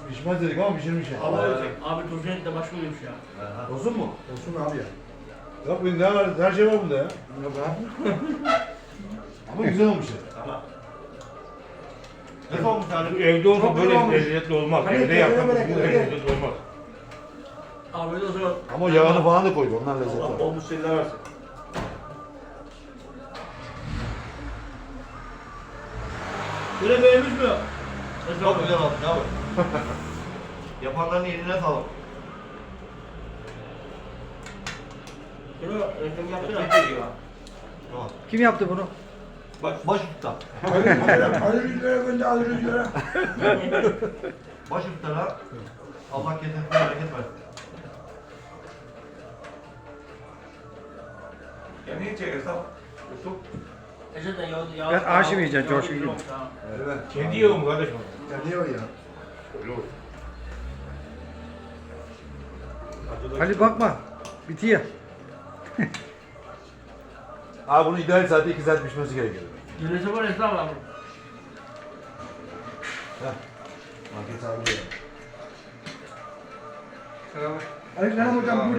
Pişmez dedik ama pişirmiş ya. Abi turşu et de başka oluyormuş ya. Olsun mu? Olsun abi ya. Yok bu ne var? Her şey var bunda ya. Yok abi. Ama güzel olmuş ya. Ne olmuş abi? Evde olsa Çok böyle olmuş. lezzetli olmaz. Hani Evde yapmak bu tekrar lezzetli olmaz. Abi öyle o zaman. Ama yağını falan da koydu. Ondan lezzet Allah var. olmuş şeyler versin. Böyle beğenmiş mi? Çok güzel olmuş abi. Yapanların eline sağlık. Böyle reklam yaptı ya. Tamam. Kim yaptı bunu? Baş usta. Ali Rüzgar'a gönder Ali Rüzgar'a. Baş ustara Allah kesesine bereket versin. Kendini çekersen Yusuf. Eşeden yağ. Ben aşım yiyeceğim, coşku gibi. Evet. Kendi yiyor mu kardeşim? Ya niye o ya? Öyle olur. Ali bakma. Bitiyor. Abi bunu ideal saatte 2 saat pişmesi gerekiyor. Yönese var Esra abi. Market sahibi de. Aleykümselam hocam.